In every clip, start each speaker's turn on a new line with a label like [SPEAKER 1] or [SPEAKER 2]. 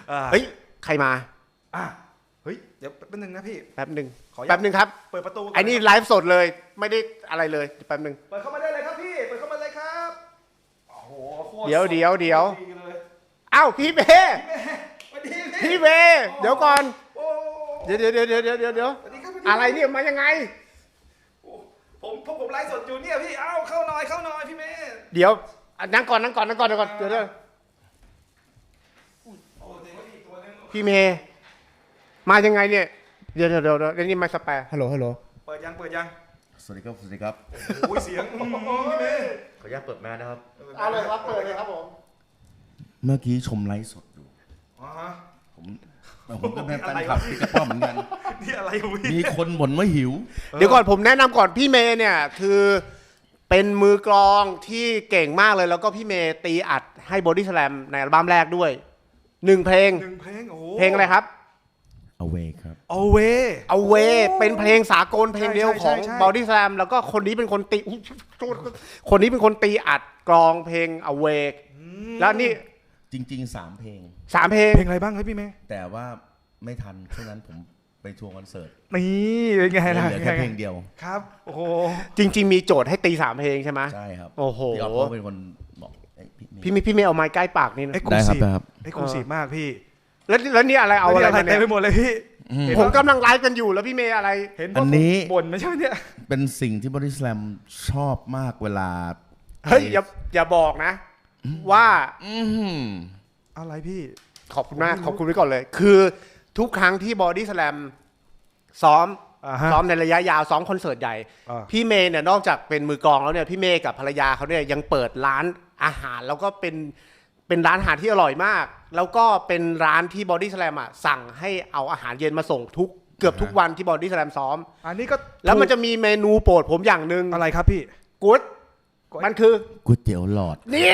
[SPEAKER 1] เฮ้ยใครมา
[SPEAKER 2] เฮ้ยเดี๋ยวแป๊บนึงนะพี่
[SPEAKER 1] แป๊บหนึ่ง
[SPEAKER 2] ขออนุญาต
[SPEAKER 1] แป๊บหนึ่งครับ
[SPEAKER 2] เปิดประตูก่
[SPEAKER 1] ไอ้นี่ไลฟ์สดเลยไม่ได้อะไรเลยแป๊บหนึ่ง
[SPEAKER 2] เปิดเข้ามาได้เลยครับพี่เปิดเข้ามาเลยครับโอ้โหโคตร
[SPEAKER 1] เดี๋ยว
[SPEAKER 2] ดีเลย
[SPEAKER 1] อ้าวพี่เมย์
[SPEAKER 2] สวัสดี
[SPEAKER 1] พี่เมย์เดี๋ยวก่อน
[SPEAKER 2] โอ้
[SPEAKER 1] เดี๋ยว
[SPEAKER 2] สวัสดีครับ
[SPEAKER 1] อะไรเนี่ยมายังไง
[SPEAKER 2] ผมไลฟ์สดอยู่เนี่ยพี่เอ้าเข้าหน่อยพี่เมย์
[SPEAKER 1] เดี๋ยวนั่งก่อนเดี๋ยวพี่เมย์มายังไงเนี่ยเดี๋ยวนี่มาสแปร์ฮัลโหล
[SPEAKER 2] เปิดยัง
[SPEAKER 3] สวัสดีครับ
[SPEAKER 2] โอ้ยเสียงพี่เมย์
[SPEAKER 3] ขออนุญาตเปิดแมสนะครับ
[SPEAKER 1] เอาเลยครับเปิดเลยครับผม
[SPEAKER 3] เมื่อกี้ชมไลฟ์สดอยู่
[SPEAKER 2] อ๋อฮะ
[SPEAKER 3] ผมก็เป็นแฟนคลับพี่กระป้อมเหมือนกัน
[SPEAKER 2] นี่อะไรของพี่
[SPEAKER 3] มีคนบ่นว่าหิว
[SPEAKER 1] เดี๋ยวก่อนผมแนะนำก่อนพี่เมย์เนี่ยคือเป็นมือกลองที่เก่งมากเลยแล้วก็พี่เมย์ตีอัดให้บอดี้สแลมในอัลบั้มแรกด้วย1 เพลง
[SPEAKER 2] เพลงโอ้โห
[SPEAKER 1] เพลงอะไรครับ
[SPEAKER 3] Away ครับ
[SPEAKER 2] Away
[SPEAKER 1] เอาเวเป็นเพลงสากลเพลงเดียวของ
[SPEAKER 2] ใช่
[SPEAKER 1] บอดี้สแลมแล้วก็คนนี้เป็นคนตีคนนี้เป็นคนตีอัดกลองเพลงเอาเวแล้วนี่
[SPEAKER 3] จริงๆ3 เพลง
[SPEAKER 1] 3 เพลง
[SPEAKER 2] เพลงอะไรบ้างครับพี่เมย์
[SPEAKER 3] แต่ว่าไม่ทันช่วงนั้นผมไปทัวร์คอนเสิร์ต
[SPEAKER 2] นี่เป็นไง
[SPEAKER 3] เห
[SPEAKER 2] ล่ะ
[SPEAKER 3] ลือแค่เพลงเดียว
[SPEAKER 2] ครับโอ้โห
[SPEAKER 1] จริง ๆ มีโจทย์ให้ตี3 เพลงใช่ไหม
[SPEAKER 3] ใช่ครับ
[SPEAKER 1] โอ้โห
[SPEAKER 3] พี่ออฟก็เป็นคนบอก
[SPEAKER 1] พี่เมย์เอาไม้ใกล้ปากนี่นะ
[SPEAKER 2] เอ็กซ์คลู
[SPEAKER 3] ได้ครั
[SPEAKER 2] ซี
[SPEAKER 3] บ
[SPEAKER 2] ฟ
[SPEAKER 3] ได้ครับ
[SPEAKER 2] เอ็กซ์คลูซีฟมากพี่
[SPEAKER 1] แล้วนี่อะไรเอาอะไรมา
[SPEAKER 2] เต็
[SPEAKER 1] เนี่
[SPEAKER 2] ม
[SPEAKER 1] ย
[SPEAKER 2] ไปหมดเลยพี่
[SPEAKER 1] ผมกำลังไลฟ์กันอยู่แล้วพี่เมย์อะไร
[SPEAKER 2] เห็น
[SPEAKER 3] อันนี้
[SPEAKER 2] บ่นไม่ใช่เนี่ย
[SPEAKER 3] เป็นสิ่งที่บอดี้สแลมชอบมากเวลา
[SPEAKER 1] เฮ้ยอย่าบอกนะ ว่า
[SPEAKER 3] อื้อหือ
[SPEAKER 2] อะไรพี่
[SPEAKER 1] ขอบคุณมากขอบคุณไว้ก่อนเลย คือทุกครั้งที่บอดี้สแลมซ้อม
[SPEAKER 2] ฮะ
[SPEAKER 1] ซ้อมในระยะยาวซ้อมคอนเสิร์ตใหญ่
[SPEAKER 2] อ่า
[SPEAKER 1] พี่เมย์เนี่ยนอกจากเป็นมือกลองแล้วเนี่ยพี่เมย์กับภรรยาเขาเนี่ยยังเปิดร้านอาหารแล้วก็เป็นร้านอาหารที่อร่อยมาก แล้วก็เป็นร้านที่บอดี้สแลมอ่ะสั่งให้เอาอาหารเย็นมาส่งเกือบทุกวันที่บอดี้สแลมซ้อม
[SPEAKER 2] อันนี้ก็
[SPEAKER 1] แล้วมันจะมีเมนูโปรดผมอย่างหนึ่ง
[SPEAKER 2] อะไรครับพี่
[SPEAKER 1] กู๊ดมันคือ
[SPEAKER 3] ก๋วยเตี๋ยวหลอด
[SPEAKER 1] นี่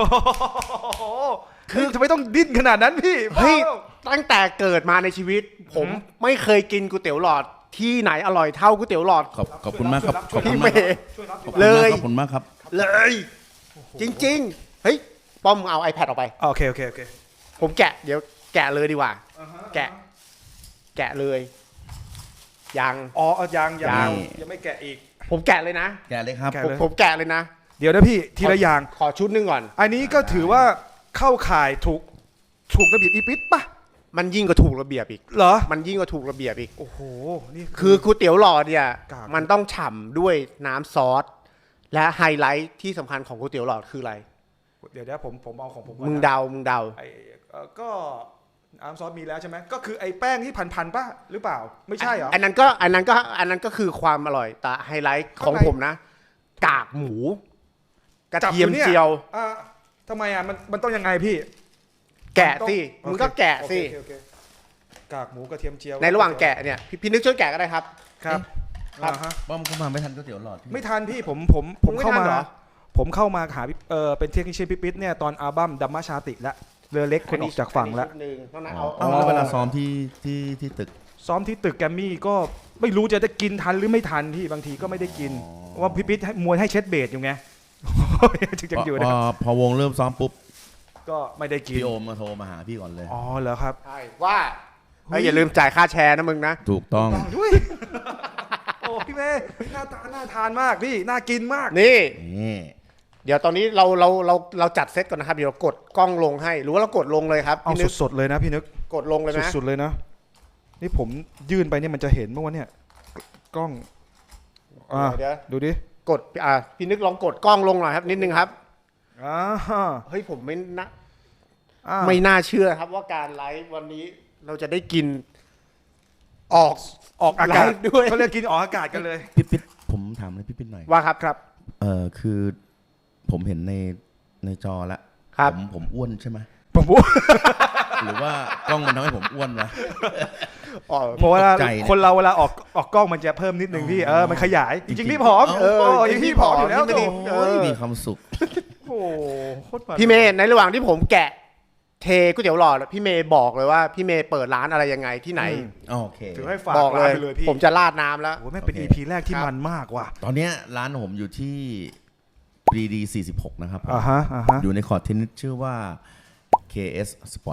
[SPEAKER 2] คือทำไมต้องดิ้นขนาดนั้นพี่
[SPEAKER 1] เฮ้ยตั้งแต่เกิดมาในชีวิต ผมไม่เคยกินก๋วยเตี๋ยวหลอดที่ไหนอร่อยเท่าก๋วยเตี๋ยวหลอด
[SPEAKER 3] ขอบคุณมากครับขอบคุ
[SPEAKER 1] พี่
[SPEAKER 3] ณ
[SPEAKER 1] เม
[SPEAKER 3] มาก
[SPEAKER 1] ย์
[SPEAKER 2] ช่วยรับ
[SPEAKER 1] เลย
[SPEAKER 3] ขอบคุณมากครับ
[SPEAKER 1] เลย จริงๆเฮ้ยป้อมเอา iPad ออกไป
[SPEAKER 2] โอเค
[SPEAKER 1] ผมแกะเดี๋ยวแกะเลยดีกว่า แกะเลยยัง
[SPEAKER 2] อ๋อยัง
[SPEAKER 1] ยัง
[SPEAKER 2] ยังไม่แกะอีก
[SPEAKER 1] ผมแกะเลยนะ
[SPEAKER 3] แกเลยครับ
[SPEAKER 2] แกะ
[SPEAKER 1] ผมแกะเลยนะ
[SPEAKER 2] เดี๋ยวนะพี่ทีละอย่าง
[SPEAKER 1] ขอชุดหนึงก่อน
[SPEAKER 2] อันนี้ก็ถือว่าเข้าข่ายถูกระเบียบอีปิดป่ะ
[SPEAKER 1] มันยิ่งกว่าถูกระเบียบอีก
[SPEAKER 2] เหรอ
[SPEAKER 1] มันยิ่งกว่าถูกระเบียบอีก
[SPEAKER 2] โอ้โหนี่
[SPEAKER 1] คือก๋วยเตี๋ยวหลอดเนี่ย
[SPEAKER 2] กาก
[SPEAKER 1] มันต้องฉ่ำด้วยน้ำซอสและไฮไลท์ที่สำคัญของก๋วยเตี๋ยวหลอดคืออะไร
[SPEAKER 2] เดี๋ยวผมเอาของผมก่อน
[SPEAKER 1] มึง
[SPEAKER 2] นะ
[SPEAKER 1] เดา
[SPEAKER 2] ไอ้ก็น้ำซอสมีแล้วใช่ไหมก็คือไอ้แป้งที่พันๆป่ะหรือเปล่าไม่ใช่เหรอ
[SPEAKER 1] อันนั้นก็คือความอร่อยแต่ไฮไลท์ของผมนะ กากหมูกระเทียมเจียว
[SPEAKER 2] อ่าทำไมอ่ะมันต้องยังไงพี่
[SPEAKER 1] แกะสิ
[SPEAKER 2] โอเค
[SPEAKER 1] มึงก็แกะสิ
[SPEAKER 2] โอเคกากหมูกระเทียมเจียว
[SPEAKER 1] ในระหว่างแกะเนี่ยพี่นึกช่วยแกะก็ได้ครับ
[SPEAKER 2] ครับ
[SPEAKER 1] ครับ
[SPEAKER 2] อ่าฮะ
[SPEAKER 3] ป้อมเข้ามาไม่ทันก๋วยเตี๋ยวหลอดพี่
[SPEAKER 2] ไม่ทันพี่ผม
[SPEAKER 1] ไม่
[SPEAKER 2] เข้า
[SPEAKER 1] ทัน
[SPEAKER 2] มา
[SPEAKER 1] เหรอ
[SPEAKER 2] ผมเข้ามาหาเป็นเทคนิคเชนพิปิตเนี่ยตอนอัลบั้มดัมมาชาติและเรือเล็กคนออกจากฝั่งแล้ว
[SPEAKER 1] อันนี้ชุดหนึ่งเท่านั้น
[SPEAKER 3] อ๋อ
[SPEAKER 1] เอา
[SPEAKER 3] แล้วเวลาซ้อมที่ตึก
[SPEAKER 2] ซ้อมที่ตึกแกรมมี่ก็ไม่รู้จะได้กินทันหรือไม่ทันพี่บางทีก็ไม่ได้กิน
[SPEAKER 3] อ๋อ
[SPEAKER 2] ว่าพิปิตมวยให้เช็ดเบสอยู่ไง จึงจะอยู่
[SPEAKER 3] พ
[SPEAKER 2] นะ
[SPEAKER 3] อพอวงเริ่มซ้อมปุ๊บ
[SPEAKER 2] ก็ไม่ได้กิน
[SPEAKER 3] พี่โอมมาโทรมาหาพี่ก่อนเลย
[SPEAKER 2] อ๋อเหรอครับ
[SPEAKER 1] ใช่ว่าเฮ้ยอย่าลืมจ่ายค่าแชร์นะมึงนะ
[SPEAKER 3] ถูกต้อง
[SPEAKER 2] ด้วยโอ้พี่เมย์น่าทานมากพี่น่ากินมาก
[SPEAKER 1] นี่
[SPEAKER 3] นี่
[SPEAKER 1] เดี๋ยวตอนนี้เราจัดเซตก่อนนะครับเดี๋ยวเรากดกล้องลงให้หรือว่าเรากดลงเลยครับ
[SPEAKER 2] เอา
[SPEAKER 1] พี่นึก
[SPEAKER 2] สดๆเลยนะพี่นึก
[SPEAKER 1] กดลงเลยนะ
[SPEAKER 2] สุดๆเลยนะนี่ผมยื่นไปเนี่ยมันจะเห็นเมื่อวันเนี่ยกล้อง
[SPEAKER 1] เดี๋ยว
[SPEAKER 2] ดูดิ
[SPEAKER 1] กดพี่นึกลองกดกล้องลงหน่อยครับนิดนึงครับ
[SPEAKER 2] อ่าฮะ
[SPEAKER 1] เฮ้ยผมไม่นะ
[SPEAKER 2] อ่า
[SPEAKER 1] ไม่น่าเชื่อครับว่าการไลฟ์วันนี้เราจะได้กินออก
[SPEAKER 2] ออกอากาศ
[SPEAKER 1] ไลฟ์ด้วย
[SPEAKER 2] เขาเรียกกินออกอากาศกันเลย
[SPEAKER 3] พี่ปิ๊ดผมถามอะไรพี่ปิ๊ดหน่อย
[SPEAKER 1] ว่าครับครับ
[SPEAKER 3] คือผมเห็นในจอแล้ว
[SPEAKER 1] ครับ
[SPEAKER 3] ผมอ้วนใช่ไหม
[SPEAKER 2] ผมพูด
[SPEAKER 3] หรือว่ากล้องมันทำให้ผมอ้วนวะ
[SPEAKER 1] อ๋อ
[SPEAKER 2] เพราะว่า
[SPEAKER 3] ตกใจเนี่ย
[SPEAKER 2] คนเราเวลาออกกล้องมันจะเพิ่มนิดนึงพี่มันขยายจริงๆพี่ผอม
[SPEAKER 1] เออ
[SPEAKER 2] จริงๆพี่ผอมอยู่แล้ว
[SPEAKER 1] พี่ไม่ได้
[SPEAKER 2] โถ
[SPEAKER 3] มีความสุข
[SPEAKER 2] โอ้โหโคตรมัน
[SPEAKER 1] พี่เมย์ในระหว่างที่ผมแกะเทก๋วยเตี๋ยวหลอดพี่เมย์บอกเลยว่าพี่เมย์เปิดร้านอะไรยังไงที่ไหน
[SPEAKER 3] โอเค
[SPEAKER 2] ถือให้ฝาก
[SPEAKER 1] บอกเล
[SPEAKER 2] ร้าน
[SPEAKER 1] ย
[SPEAKER 2] ไปเลยพี่
[SPEAKER 1] ผมจะราดน้ำแล้ว
[SPEAKER 2] โอ้โหแม่งเป็น
[SPEAKER 3] โอเค
[SPEAKER 2] EP แรกที่
[SPEAKER 1] ครับ
[SPEAKER 2] มันมากว่ะ
[SPEAKER 3] ตอนเนี้ยร้านผมอยู่ที่ BD 46 นะครับผม
[SPEAKER 2] อ่าฮะ
[SPEAKER 3] อยู่ในคอร์ดเทนนิสชื่อว่า KS Sport Club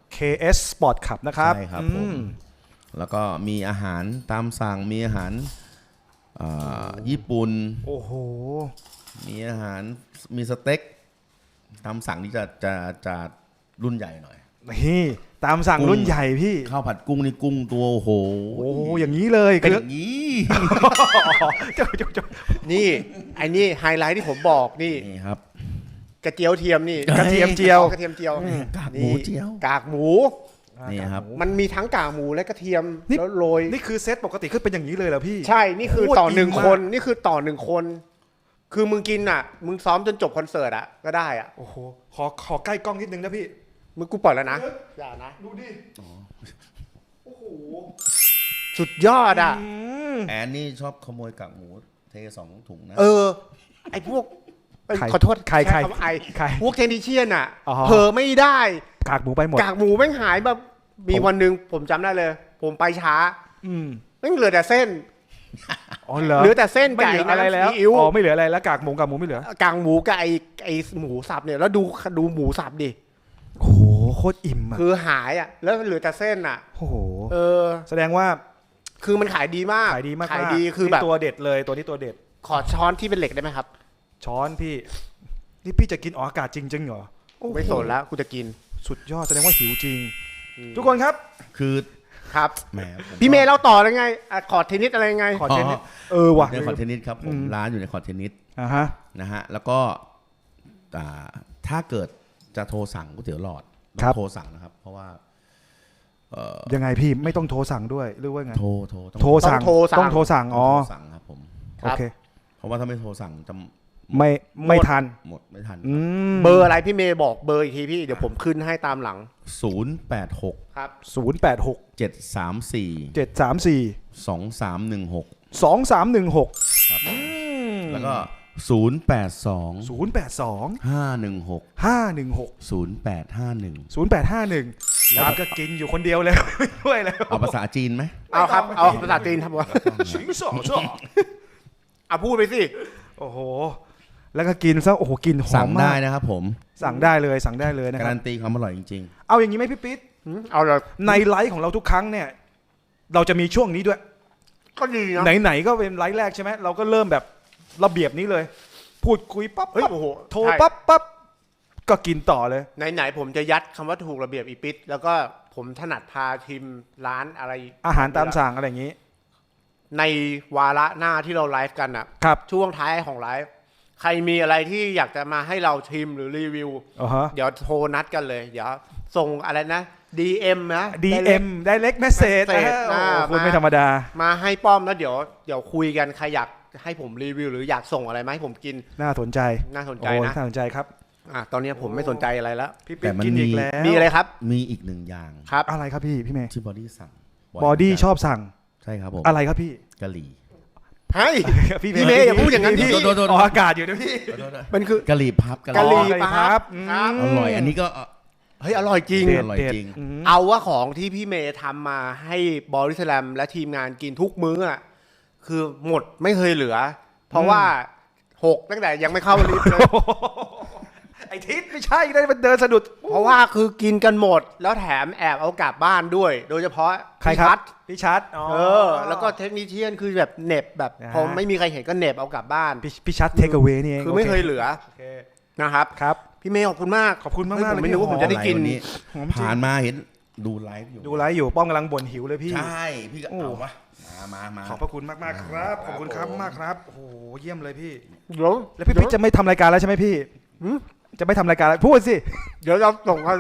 [SPEAKER 2] KS Sport Club นะครับ
[SPEAKER 3] ใช่ครับผม แล้วก็มีอาหารตามสั่งมีอาหารญี่ปุ่น
[SPEAKER 2] โอ้โห
[SPEAKER 3] มีอาหารมีสเต็กตามสั่งนี่จะรุ่นใหญ่หน่อย
[SPEAKER 2] นี่ตามสั่ง
[SPEAKER 3] กุ้ง
[SPEAKER 2] รุ่นใหญ่พี่
[SPEAKER 3] ข้าวผัดกุ้งนี่กุ้งตัวโอ้โห
[SPEAKER 2] โอ้โหอย่างนี้เลย
[SPEAKER 3] เป็น
[SPEAKER 2] คือ
[SPEAKER 3] อย่างนี้
[SPEAKER 2] เจ้า
[SPEAKER 1] นี่ไอ้นี่ไฮไลท์ที่ผมบอกนี่
[SPEAKER 3] นี่ครับ
[SPEAKER 1] กระเจียวเทียมนี่
[SPEAKER 2] กระเทียมเจียว
[SPEAKER 1] กระเทียมเจียว
[SPEAKER 3] กากหมูเจียว
[SPEAKER 1] กากหมู
[SPEAKER 3] นี่ครับ
[SPEAKER 1] มันมีทั้งกากหมูและกระเทียม
[SPEAKER 2] นี่
[SPEAKER 1] แล้วโรย
[SPEAKER 2] นี่คือเซตปกติขึ้นเป็นอย่างนี้เลยเหรอพี่
[SPEAKER 1] ใช่นี่คือ
[SPEAKER 2] โอ้ย
[SPEAKER 1] ต่อหนึ่ง
[SPEAKER 2] อิ่มมาก
[SPEAKER 1] คนนี่คือต่อหนึ่งคน คือมึงกินอ่ะ มึงซ้อมจนจบคอนเสิร์ตอ่ะก็ได้อ่ะ
[SPEAKER 2] โอ้โหขอใกล้กล้องนิดนึงนะพี่
[SPEAKER 1] มึงกูปล่อยแล้วนะอย่านะ
[SPEAKER 2] ดูดิโอ้โห
[SPEAKER 1] สุดยอดอ่ะ
[SPEAKER 3] แอนนี่ชอบขโมยกากหมูเท2 ถุงนะ
[SPEAKER 1] ไอ้พวกเอ้ย
[SPEAKER 2] ใคร
[SPEAKER 1] ขอโทษ
[SPEAKER 2] ใคร
[SPEAKER 1] ช้คำว่าไอ
[SPEAKER 2] ใคร
[SPEAKER 1] พวกเทนนิเชียนอ่ะ
[SPEAKER 2] อ๋อ
[SPEAKER 1] เผลอไม่ได้
[SPEAKER 2] กากหมูไปหมด
[SPEAKER 1] กากหมูแม่งหายแบบมีวันหนึ่งผมจำได้เลย ผมไปช้า
[SPEAKER 2] อืม
[SPEAKER 1] แม่งเหลือแต่เส้น
[SPEAKER 2] อ๋อเหรอ
[SPEAKER 1] เหลือแต่เส้น
[SPEAKER 2] ไม่
[SPEAKER 1] ไก่
[SPEAKER 2] เหลืออะไร
[SPEAKER 1] น้ำ
[SPEAKER 2] แล้ว
[SPEAKER 1] ซีอิ๊ว
[SPEAKER 2] อ๋อไม่เหลืออะไรแล้วกากหมูไม่เหลือก
[SPEAKER 1] างหมูกับไอหมูสับเนี่ยแล้วดูหมูสับดิ
[SPEAKER 2] โอ้โหโคตรอิ่มอ่ะ
[SPEAKER 1] คือหายอ่ะแล้วเหลือแต่เส้นอ่ะ
[SPEAKER 2] โอ้โห
[SPEAKER 1] เออ
[SPEAKER 2] แสดงว่า
[SPEAKER 1] คือมันขายดีมาก
[SPEAKER 2] ขายดีมากๆ
[SPEAKER 1] ขายดีคือแบบ
[SPEAKER 2] นี่ตัวเด็ดเลยตัวนี้ตัวเด็ด
[SPEAKER 1] ขอช้อนที่เป็นเหล็กได้ไหมครับ
[SPEAKER 2] ช้อนพี่ นี่พี่จะกินออกอากาศจริงๆเหรอ
[SPEAKER 1] ไม่สนแล้วกูจะกิน
[SPEAKER 2] สุดยอดแสดงว่าหิวจริง ทุกคนครับ
[SPEAKER 3] คือ
[SPEAKER 1] ครับ
[SPEAKER 3] แหมผ
[SPEAKER 1] พี่เมย์เราต่อเลยไงอ่ะขอเทนนิสอะไรไง
[SPEAKER 2] ขอเทนนิสว่ะ
[SPEAKER 3] ในคอร์ตเทนนิสครับผมร้านอยู่ในคอร์ตเทนนิส
[SPEAKER 2] อ่าฮะ
[SPEAKER 3] นะฮะแล้วก็ถ้าเกิดจะโทรสั่งก๋วยเตี๋ยวหลอด
[SPEAKER 2] ครับ
[SPEAKER 3] โทรสั่งนะครับ เพราะว่า
[SPEAKER 2] ยังไงพี่ไม่ต้องโทรสั่งด้วยหรือว่าไง
[SPEAKER 3] โทร
[SPEAKER 2] โทรสั่ง ต้องโทรสั่งอ๋อ
[SPEAKER 3] โทรสั่งครับผม
[SPEAKER 2] โอเค
[SPEAKER 3] เพราะว่าถ้าไม่โทรสั่งจะ
[SPEAKER 2] ไม่ทัน
[SPEAKER 3] หมดไม่ทัน
[SPEAKER 1] เบอร์อะไรพี่เมย์บอกเบอร์อีกทีพี่เดี๋ยวผมขึ้นให้ตามหลัง
[SPEAKER 3] 086
[SPEAKER 1] ครับ
[SPEAKER 2] 086
[SPEAKER 3] 734
[SPEAKER 2] 734
[SPEAKER 3] 2316
[SPEAKER 2] 2316
[SPEAKER 3] ครับแล้วก็082
[SPEAKER 2] 082
[SPEAKER 3] 516
[SPEAKER 2] 516
[SPEAKER 3] 0851
[SPEAKER 2] 0851แล้วก็กินอยู่คนเดียวเลย ไม่ด้วยแล้ว
[SPEAKER 3] เอาภาษาจีนไหม
[SPEAKER 1] เอาครับเอาภาษาจีนครับผม
[SPEAKER 2] ชิงสองชอบ
[SPEAKER 1] เอาพูดไปสิ
[SPEAKER 2] โอ้โห แล้วก็กินซะโอ้โหกลินหอ
[SPEAKER 3] สั่
[SPEAKER 2] ม
[SPEAKER 3] ง
[SPEAKER 2] มา
[SPEAKER 3] ได้
[SPEAKER 2] ก
[SPEAKER 3] นะครับผม
[SPEAKER 2] สั่งได้เลยสั่งได้เลยนะคั
[SPEAKER 3] การรั
[SPEAKER 2] บ
[SPEAKER 3] นตีความอร่อยจริง
[SPEAKER 2] เอาอย่างนี้ไหมพี่ปิ๊ด
[SPEAKER 1] เอาเลย
[SPEAKER 2] ในไลฟ์ของเราทุกครั้งเนี่ย เราจะมีช่วงนี้ด้วย
[SPEAKER 1] ก็ดีนะ
[SPEAKER 2] ไหนๆก็เป็นไลฟ์แรกใช่ไหมเราก็เริ่มแบบระเบียบนี้เลย พูดคุยปั๊บ
[SPEAKER 1] เฮ้ย
[SPEAKER 2] ปั๊บ
[SPEAKER 1] โอ้โห
[SPEAKER 2] โทรปั๊บก็กินต่อเลย
[SPEAKER 1] ไหนๆผมจะยัดคำว่าถูกระเบียบอีปิดแล้วก็ผมถนัดพาทีมร้านอะไร
[SPEAKER 2] อาหารตามสั่งอะไรอย่างนี้
[SPEAKER 1] ในวาระหน้าที่เราไลฟ์กันอ่ะ
[SPEAKER 2] ครับ
[SPEAKER 1] ช่วงท้ายของไลฟ์ใครมีอะไรที่อยากจะมาให้เราชิมหรือรีวิว
[SPEAKER 2] อ๋อฮะ
[SPEAKER 1] เดี๋ยวโทรนัดกันเลย เดี๋ยวส่งอะไรนะ DM นะ
[SPEAKER 2] DM direct message
[SPEAKER 1] message
[SPEAKER 2] คุณไม่ธรรมดา
[SPEAKER 1] มาให้ป้อมแล้วเดี๋ยวคุยกันใครอยากให้ผมรีวิว หรืออยากส่งอะไรมาให้ผมกิน
[SPEAKER 2] น่าสนใจ
[SPEAKER 1] น่าสนใจ
[SPEAKER 2] โอ้
[SPEAKER 1] นะ
[SPEAKER 2] น่าสนใจครับ
[SPEAKER 1] ตอนนี้ผมไม่สนใจอะไรแล้ว
[SPEAKER 2] พี่
[SPEAKER 3] แต่
[SPEAKER 2] ปิ๊ก
[SPEAKER 3] มัน
[SPEAKER 2] กินอีก
[SPEAKER 3] มี
[SPEAKER 2] แล้ว
[SPEAKER 1] มีอะไรครับ
[SPEAKER 3] มีอีกหนึ่งอย่าง
[SPEAKER 1] ครับ
[SPEAKER 2] อะไรครับพี่เมย์
[SPEAKER 3] ที่บอดี้สั่ง
[SPEAKER 2] บอดี้ชอบสั่ง
[SPEAKER 3] ใช่ครับผม
[SPEAKER 2] อะไรครับพี่
[SPEAKER 3] กะหรี่
[SPEAKER 1] เฮ้ย พี่เมย์อย่าพูดอย่างนั้น
[SPEAKER 2] พี่
[SPEAKER 1] พี่
[SPEAKER 2] ออกอากาศอยู่นะพี่
[SPEAKER 1] มันคือ
[SPEAKER 3] กะหรี่พับ
[SPEAKER 1] กะหรี่
[SPEAKER 2] กะหรี่พับ
[SPEAKER 1] ครับ
[SPEAKER 3] อร่อย อันนี้ก็
[SPEAKER 1] เฮ้ยอร่อยจริง
[SPEAKER 3] อร่อยจริง
[SPEAKER 1] เอาว่าของที่พี่เมย์ทำมาให้บอริสแลมและทีมงานกินทุกมื้ออ่ะคือหมดไม่เคยเหลือ เพราะว่า6ตั้งแต่ยังไม่เข้าลิฟต์เลย
[SPEAKER 2] ไอทิศไม่ใช่ได้มันเดินสะดุด
[SPEAKER 1] เพราะว่าคือกินกันหมด แล้วแถมแอบเอากลับบ้านด้วย โดยเฉพาะ
[SPEAKER 2] ใครครับ
[SPEAKER 1] พี่ชัด
[SPEAKER 2] พี่ชัดอ๋อ
[SPEAKER 1] แล้วก็เทคนิคเชียนคือแบบเหน็บแบบ
[SPEAKER 2] นะฮะ
[SPEAKER 1] พอไม่มีใครเห็นก็เหน็บเอากลับบ้าน
[SPEAKER 2] พี่ชัดเทคเอา a y นี่เอง
[SPEAKER 1] คือไม่เคยเหลือ
[SPEAKER 2] โอเค
[SPEAKER 1] นะครับ
[SPEAKER 2] ครับ
[SPEAKER 1] พี่เมย์ขอบคุณมาก
[SPEAKER 2] ขอบคุณมากๆ
[SPEAKER 1] เฮ้ยผมไม่
[SPEAKER 2] เลย
[SPEAKER 1] รู้ว่าผมจะได้กิน
[SPEAKER 3] วันนี้
[SPEAKER 2] หอมจริง
[SPEAKER 3] ผ่านมาเห็นดูไลฟ์อยู่
[SPEAKER 2] ดูไลฟ์อยู่ป้อมกำลังบ่นหิวเลยพี่
[SPEAKER 3] ใช่ พี่ก็
[SPEAKER 2] โอ้
[SPEAKER 3] เอาวะมา
[SPEAKER 2] ขอบพระคุณมากมากๆครับ ขอบคุณครับมากครับ โอ้โห เยี่ยมเลยพี่
[SPEAKER 1] เดี๋ยว
[SPEAKER 2] แล้วพี่ปิ๊กจะไม่ทำรายการแล้วใช่ไหมพี่
[SPEAKER 1] หืม
[SPEAKER 2] จะไม่ทำรายการแล้วพูดสิ
[SPEAKER 1] เดี๋ยวเราส่งกัน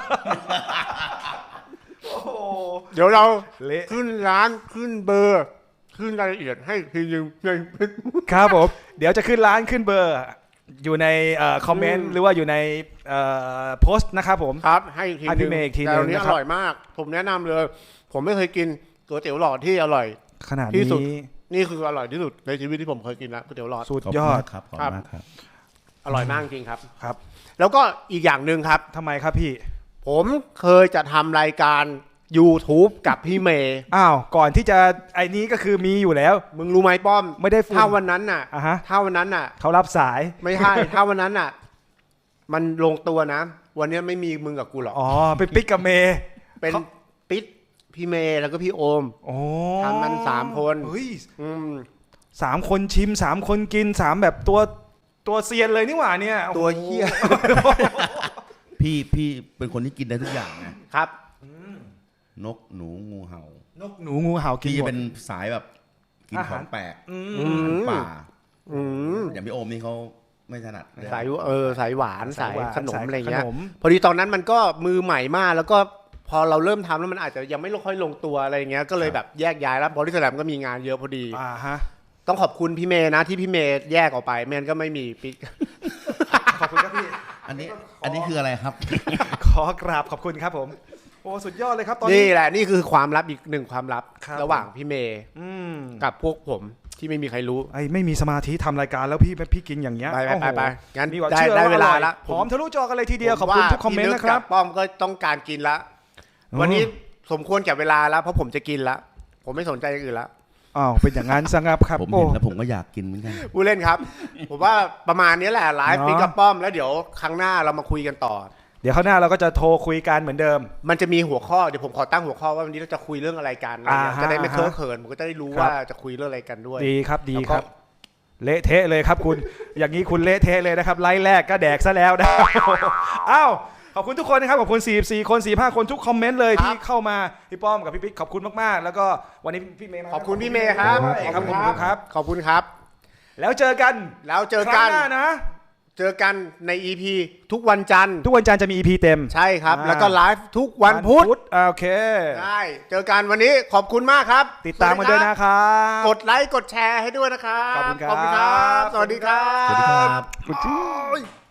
[SPEAKER 2] โอ้โห
[SPEAKER 1] เดี๋ยวเรา
[SPEAKER 2] เละ
[SPEAKER 1] ขึ้นร้านขึ้นเบอร์ ขึ้นรายละเอียดให้ทีนึง
[SPEAKER 2] ครับผม เดี๋ยวจะขึ้นร้านขึ้นเบอร์ อยู่ในคอมเมนต์หรือว่าอยู่ในโพสต์นะครับผม
[SPEAKER 1] ครับ ให้ที
[SPEAKER 2] ให้
[SPEAKER 1] นึ
[SPEAKER 2] พี่
[SPEAKER 1] ง
[SPEAKER 2] เมย์อีกทีนึง
[SPEAKER 1] แต่อันนี้
[SPEAKER 2] นะ
[SPEAKER 1] อ
[SPEAKER 2] ครับ
[SPEAKER 1] ร่อยมาก ผมแนะนำเลย ผมไม่เคยกินก๋วยเตี๋ยวหลอดที่อร่อย
[SPEAKER 2] ขนาด
[SPEAKER 1] ที่สุด
[SPEAKER 2] นี้
[SPEAKER 1] นี่คืออร่อยที่สุดในชีวิตที่ผมเคยกินแล้วก๋วยเตี๋ยวหลอด
[SPEAKER 2] สุด
[SPEAKER 3] ขอบ
[SPEAKER 2] ย
[SPEAKER 3] คุณ
[SPEAKER 2] อด
[SPEAKER 3] มากครับขอบคุณมากครับ
[SPEAKER 1] อร่อยมากจริงครับ
[SPEAKER 2] ครับ
[SPEAKER 1] แล้วก็อีกอย่างหนึ่งครับ
[SPEAKER 2] ทำไมครับพี่
[SPEAKER 1] ผมเคยจะทำรายการ YouTube กับพี่เมย์
[SPEAKER 2] อ้าว ก่อนที่จะไอ้นี้ก็คือมีอยู่แล้ว
[SPEAKER 1] มึงรู้ไหมป้อม
[SPEAKER 2] ไม่ได้ฝุ่น
[SPEAKER 1] ถ้าวันนั้นน่ะ
[SPEAKER 2] อ่ะฮะ
[SPEAKER 1] ถ้าวันนั้นน่ะ
[SPEAKER 2] เขารับสาย
[SPEAKER 1] ไม่ใช่ ถ้าวันนั้นน่ะ มันลงตัวนะวันนี้ไม่มีมึงกับกูหรอก
[SPEAKER 2] อ๋อเป็นปิ๊กกับเมย์
[SPEAKER 1] เป็นปิ๊ดพี่เมย์แล้วก็พี่โอม
[SPEAKER 2] โอ้
[SPEAKER 1] ทำกัน3 คน
[SPEAKER 2] เฮ้ย
[SPEAKER 1] อืม
[SPEAKER 2] 3 คนชิม3 คนกิน3แบบตัวเซียนเลยนี่หว่าเนี่ย
[SPEAKER 1] ตัวเหี้ย
[SPEAKER 3] พี่เป็นคนที่กินได้ทุกอย่างนะครับ นกหนูงูเห่าน
[SPEAKER 2] กหนูงูเห่ากิน
[SPEAKER 3] พี่
[SPEAKER 2] หมด
[SPEAKER 3] เป็นสายแบบกินของแปลก
[SPEAKER 2] อืม
[SPEAKER 3] อาหารป่า
[SPEAKER 1] อืม
[SPEAKER 3] อย่างพี่โอมนี่เขาไม่ถนัด
[SPEAKER 1] สายสายหวานสายขนมอะไรเงี้ย
[SPEAKER 2] ขนม
[SPEAKER 1] พอดีตอนนั้นมันก็มือใหม่มากแล้วก็พอเราเริ่มทำแล้วมันอาจจะยังไม่ค่อยลงตัวอะไรเงี้ยก็เลยแบบแยกย้ายแล้วบริษัทก็มีงานเยอะพอดี
[SPEAKER 2] ฮะ
[SPEAKER 1] ต้องขอบคุณพี่เมย์นะที่พี่เมย์แยกออกไปไม่งั้นก็ไม่มีปิ๊ก
[SPEAKER 2] ขอบคุณครับพี่
[SPEAKER 3] อันนี้คืออะไรครับ
[SPEAKER 2] ขอกราบขอบคุณครับผมโอ้สุดยอดเลยครับตอน
[SPEAKER 1] นี่
[SPEAKER 2] นี้
[SPEAKER 1] แหละนี่คือความลับอีก1ความลับ
[SPEAKER 2] ครับ
[SPEAKER 1] ระหว่างพี่เมย์
[SPEAKER 2] อืม
[SPEAKER 1] กับพวกผมที่ไม่มีใครรู้
[SPEAKER 2] ไอ้ไม่มีสมาธิทำรายการแล้วพี่กินอย่างเงี้ย
[SPEAKER 1] ไป
[SPEAKER 2] โอ้โห
[SPEAKER 1] งั้น
[SPEAKER 2] มีหวัง
[SPEAKER 1] ได้
[SPEAKER 2] เชื่อ
[SPEAKER 1] ได้
[SPEAKER 2] ว่า
[SPEAKER 1] เวลา
[SPEAKER 2] อร่อย
[SPEAKER 1] ละ
[SPEAKER 2] หอมทะลุจอกันเลยทีเดียวขอบคุณทุกคอมเมนต์นะครับ
[SPEAKER 1] ป้อมก็ต้องการกินละวันนี้สมควรแก่เวลาแล้วเพราะผมจะกินละผมไม่สนใจอย่างอื่นละ
[SPEAKER 2] อ้าวเป็นอย่างนั้นซะงับครับ
[SPEAKER 3] ผม
[SPEAKER 2] โอ้
[SPEAKER 3] เห็นแล้วผมก็อยากกินเหมือนกัน
[SPEAKER 1] ผู้เล่นครับ ผมว่าประมาณนี้แหละไลฟ์
[SPEAKER 2] เนาะ
[SPEAKER 1] ปิ๊กกับป้อมแล้วเดี๋ยวครั้งหน้าเรามาคุยกันต่อ
[SPEAKER 2] เดี๋ยวข้างหน้าเราก็จะโทรคุยกันเหมือนเดิม
[SPEAKER 1] มันจะมีหัวข้อเดี๋ยวผมขอตั้งหัวข้อว่าวันนี้เราจะคุยเรื่องอะไรกันอะไรเงี้ย
[SPEAKER 2] อ่าฮะ
[SPEAKER 1] จะได้ไม่เคอะเขินผมก็จะได้รู้
[SPEAKER 2] ครับ
[SPEAKER 1] ว่าจะคุยเรื่องอะไรกันด้วย
[SPEAKER 2] ดีครับดี
[SPEAKER 1] แล้ว
[SPEAKER 2] ค
[SPEAKER 1] ก็
[SPEAKER 2] รับ เละเทะเลยครับคุณ อย่างนี้คุณเละเทะเลยนะครับไลฟ์แรกก็แดกซะแล้วนะ อ้าวขอบคุณทุกคนนะครับขอบคุณ44คน45คนทุกคอมเมนต์เลยที่เข้ามาพี่ป้อมกับพี่ปิ๊กขอบคุณมากๆ แล้วก็วันนี้พี่เมย์มา
[SPEAKER 1] ขอบคุณพี่เมย์ครับ
[SPEAKER 2] ขอบคุณครับ
[SPEAKER 1] ขอบคุณครับ
[SPEAKER 2] แล้วเจอกัน
[SPEAKER 1] แล้วเจอ
[SPEAKER 2] ครั้
[SPEAKER 1] กั
[SPEAKER 2] ง
[SPEAKER 1] น
[SPEAKER 2] หน้านะ
[SPEAKER 1] เจอกันใน EP ทุกวันจันทร์
[SPEAKER 2] ทุกวันจันทร์จะมี EP เต็ม
[SPEAKER 1] ใช่ครับ
[SPEAKER 2] อ่า
[SPEAKER 1] แล้วก็ไลฟ์ทุกวันพุธ
[SPEAKER 2] โอเค
[SPEAKER 1] ได้เจอกันวันนี้ขอบคุณมากครับ
[SPEAKER 2] ติดตามกันด้วยนะครับ
[SPEAKER 1] กดไลค์กดแชร์ให้ด้วยนะครับ
[SPEAKER 2] ขอบคุณครับ
[SPEAKER 1] สวัสดีครับ
[SPEAKER 3] สวัสดีครับ
[SPEAKER 2] คุณ